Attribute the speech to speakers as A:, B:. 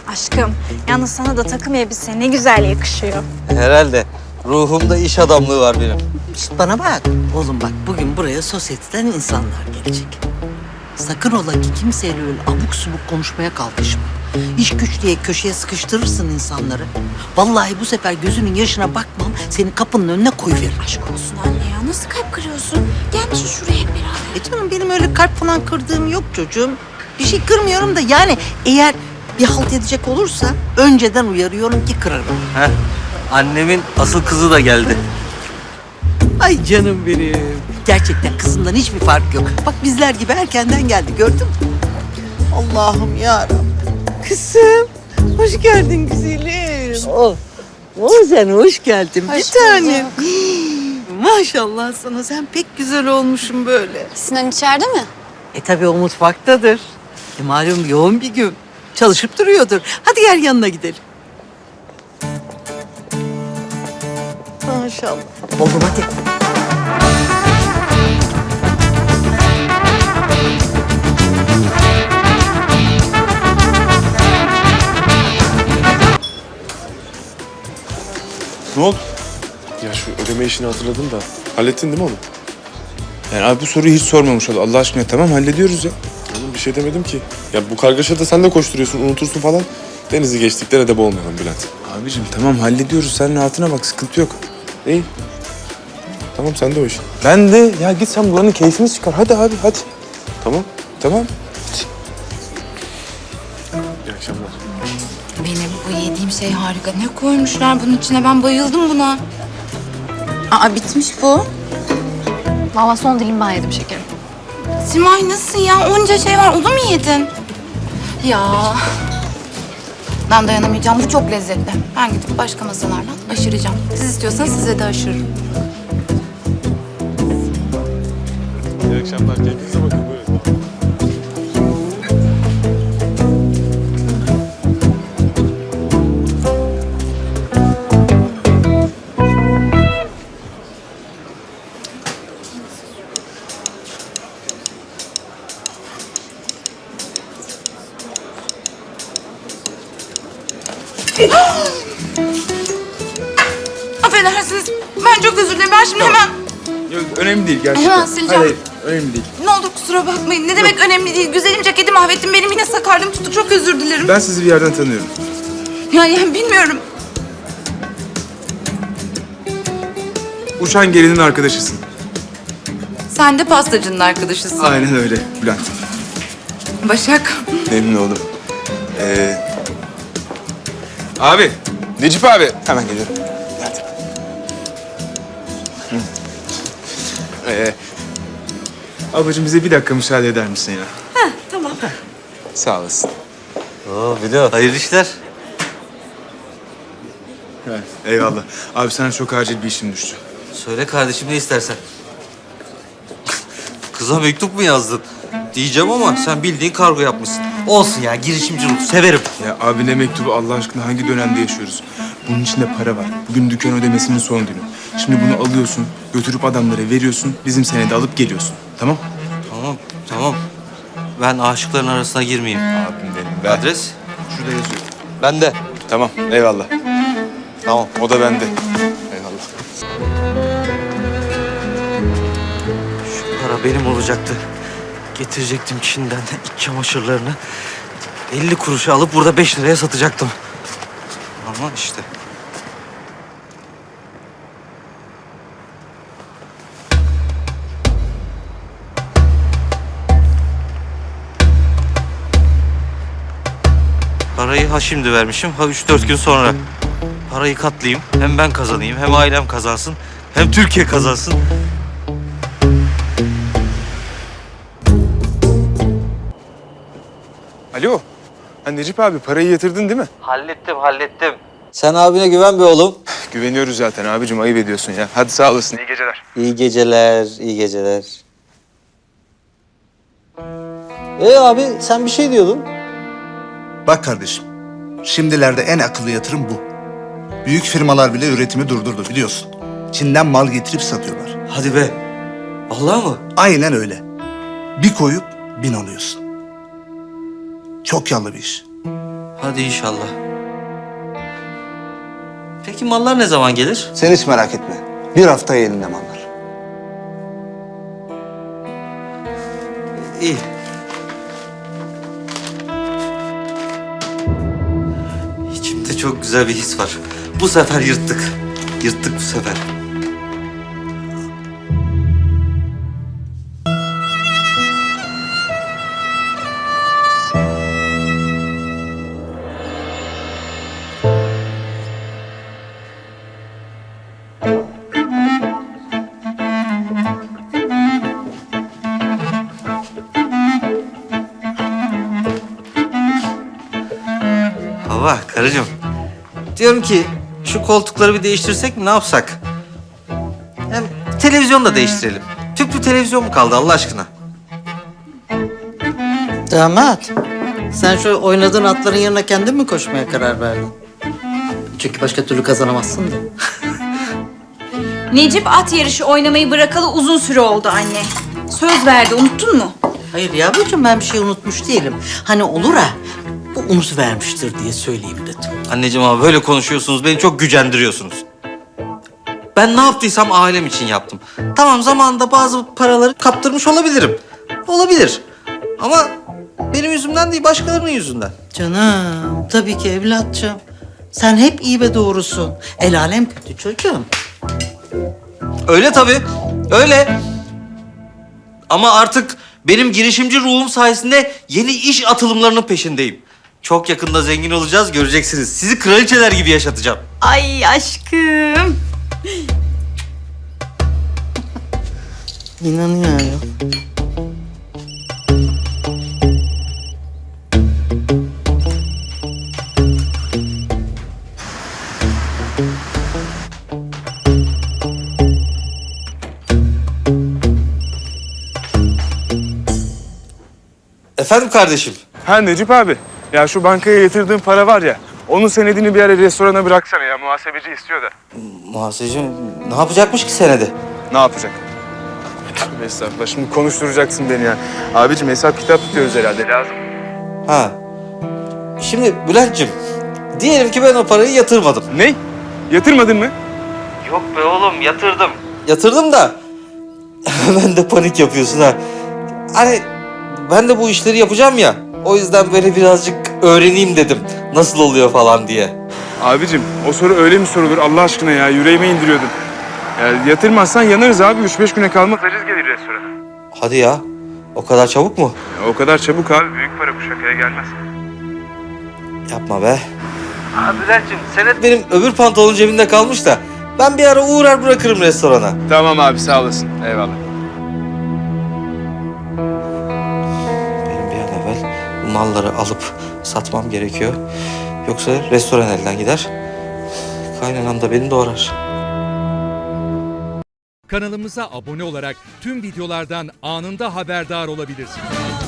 A: Aşkım, yalnız sana da takım elbise ne güzel yakışıyor.
B: Herhalde. Ruhumda iş adamlığı var benim.
C: Şişt, bana bak. Oğlum bak, bugün buraya sosyeteden insanlar gelecek. Sakın ola ki kimseyle öyle abuk subuk konuşmaya kalkışma. İş güç diye köşeye sıkıştırırsın insanları. Vallahi bu sefer gözünün yaşına bakmam, seni kapının önüne koyuverir.
A: Aşk olsun anne ya, nasıl kalp kırıyorsun? Gelmişsin şuraya hep beraber.
C: Canım benim öyle kalp falan kırdığım yok çocuğum. Bir şey kırmıyorum da yani eğer bir halt edecek olursa önceden uyarıyorum ki kırarım.
B: Heh. Annemin asıl kızı da geldi.
C: Ay canım benim. Gerçekten kızından hiçbir fark yok. Bak bizler gibi erkenden geldi, gördün mü? Allah'ım yarabbim. Kızım, hoş geldin güzelim. Sen hoş geldin bir tanem. Maşallah sana, sen pek güzel olmuşsun böyle.
D: Sinan içeride mi?
C: Tabii o mutfaktadır. Malum yoğun bir gün. Çalışıp duruyordur. Hadi gel yanına gidelim. Maşallah. Oğlum hadi.
E: Ne oldu? Ya şu ödeme işini hatırladım da. Hallettin değil mi onu? Yani abi bu soruyu hiç sormamış ol. Allah aşkına tamam hallediyoruz ya. Oğlum bir şey demedim ki. Ya bu kargaşada sen de koşturuyorsun, unutursun falan. Denizi geçtikten edeb olmayalım Bülent. Abicim tamam hallediyoruz. Sen rahatına bak, sıkıntı yok. İyi. Tamam sen de o iş. Ben de ya git sen buranın keyfini çıkar. Hadi abi hadi. Tamam. Tamam. İyi akşamlar.
F: Benim bu yediğim şey harika. Ne koymuşlar bunun içine? Ben bayıldım buna. Aa bitmiş bu.
D: Valla son dilim ben yedim şekerim.
F: Simay nasıl ya? Onca şey var. Onu mu yedin? Ya. Ben dayanamayacağım. Bu çok lezzetli. Ben gidip başka masalardan aşıracağım. Siz istiyorsanız size de aşırırım.
E: İyi akşamlar. Kendinize bakın. Buyurun.
F: Affedersiniz. Ben çok özür dilerim. Ben şimdi hemen...
E: Yok önemli değil gerçekten.
F: Hemen sileceğim.
E: Hayır, önemli değil.
F: Ne olur kusura bakmayın. Ne demek önemli değil. Güzelim ceketi mahvettim. Benim yine sakarlığım tuttu. Çok özür dilerim.
E: Ben sizi bir yerden tanıyorum.
F: Yani bilmiyorum.
E: Uçan gelinin arkadaşısın.
F: Sen de pastacının arkadaşısın.
E: Aynen öyle Bülent.
F: Başak.
E: Memnun oldum. Abi, Necip abi. Hemen geliyorum. Hadi. Hı. Ablacığım bize bir dakika müsaade eder misin ya?
F: Tamam.
E: Sağ olasın.
B: Oo Bilo, hayırlı işler.
E: Evet, eyvallah. Abi sana çok acil bir işim düştü.
B: Söyle kardeşim ne istersen. Kıza mektup mu yazdın? Diyeceğim ama sen bildiğin kargo yapmışsın. Olsun ya, girişimci ruh. Severim.
E: Ya abi ne mektubu Allah aşkına, hangi dönemde yaşıyoruz? Bunun içinde para var. Bugün dükkan ödemesinin son günü. Şimdi bunu alıyorsun, götürüp adamlara veriyorsun, bizim senede alıp geliyorsun. Tamam?
B: Tamam, tamam. Ben aşıkların arasına girmeyeyim.
E: Abim benim.
B: Adres?
E: Şurada yazıyor.
B: Bende.
E: Tamam, eyvallah.
B: Tamam.
E: O da bende. Eyvallah.
B: Şu para benim olacaktı. Getirecektim Çin'den iç çamaşırlarını. 50 kuruşa alıp burada 5 liraya satacaktım. Ama işte. Parayı ha şimdi vermişim, ha 3-4 gün sonra. Parayı katlayayım, hem ben kazanayım, hem ailem kazansın, hem Türkiye kazansın.
E: Alo. Ha Necip abi, parayı yatırdın değil mi?
B: Hallettim. Sen abine güven be oğlum.
E: Güveniyoruz zaten abicim, ayıp ediyorsun ya. Hadi sağ olasın. İyi geceler.
B: İyi geceler, iyi geceler. Abi sen bir şey diyordun.
G: Bak kardeşim, şimdilerde en akıllı yatırım bu. Büyük firmalar bile üretimi durdurdu biliyorsun. Çin'den mal getirip satıyorlar.
B: Hadi be. Vallahi mı?
G: Aynen öyle. Bir koyup 1000 alıyorsun. Çok yallı bir iş.
B: Hadi inşallah. Peki mallar ne zaman gelir?
G: Sen hiç merak etme. Bir haftaya elinde mallar.
B: İyi. İçimde çok güzel bir his var. Bu sefer yırttık. Yırttık bu sefer. Hava, karıcığım. Diyorum ki şu koltukları bir değiştirsek mi, ne yapsak? Hem televizyon da değiştirelim. Tüplü televizyon mu kaldı Allah aşkına?
C: Damat, sen şu oynadığın atların yanına kendin mi koşmaya karar verdin? Çünkü başka türlü kazanamazsın da.
A: Necip at yarışı oynamayı bırakalı uzun süre oldu anne. Söz verdi, unuttun mu?
C: Hayır yavrucuğum, ben bir şey unutmuş değilim. Hani olur ha, bu unutuvermiştir diye söyleyeyim dedim.
B: Anneciğim ama böyle konuşuyorsunuz, beni çok gücendiriyorsunuz. Ben ne yaptıysam ailem için yaptım. Tamam, zamanında bazı paraları kaptırmış olabilirim. Olabilir. Ama benim yüzümden değil, başkalarının yüzünden.
C: Canım, tabii ki evlatçım. Sen hep iyi ve doğrusun. El alem kötü çocuğum.
B: Öyle tabii, öyle. Ama artık benim girişimci ruhum sayesinde yeni iş atılımlarının peşindeyim. Çok yakında zengin olacağız, göreceksiniz. Sizi kraliçeler gibi yaşatacağım.
A: Ay aşkım.
C: İnanıyorum.
B: Efendim kardeşim?
E: Ha Necip abi. Ya şu bankaya yatırdığın para var ya. Onun senedini bir ara restorana bıraksana ya. Muhasebeci istiyor da.
B: Muhasebeci ne yapacakmış ki senede?
E: Ne yapacak? Tövbe estağfurullah. Şimdi konuşturacaksın beni ya. Abicim hesap kitap tutuyoruz herhalde. Lazım.
B: Ha. Şimdi Bülent'ciğim, diyelim ki ben o parayı yatırmadım.
E: Ne? Yatırmadın mı?
B: Yok be oğlum, yatırdım. Yatırdım da ben de panik yapıyorsun ha. Hani ben de bu işleri yapacağım ya. O yüzden böyle birazcık öğreneyim dedim. Nasıl oluyor falan diye.
E: Abicim o soru öyle mi sorulur Allah aşkına ya? Yüreğime indiriyordun. Ya yatırmazsan yanarız abi. 3-5 güne kalmaz. Aciz gelir restorana.
B: Hadi ya. O kadar çabuk mu?
E: Ya, o kadar çabuk abi. Büyük para bu, şakaya gelmez.
B: Yapma be. Ha Bülent'ciğim, senet benim öbür pantolonun cebinde kalmış da ben bir ara uğrar bırakırım restorana.
E: Tamam abi, sağ olasın. Eyvallah.
B: Benim bir an evvel bu malları alıp satmam gerekiyor. Yoksa restoran elden gider. Kaynanam da beni doğrar.
H: Kanalımıza abone olarak tüm videolardan anında haberdar olabilirsiniz.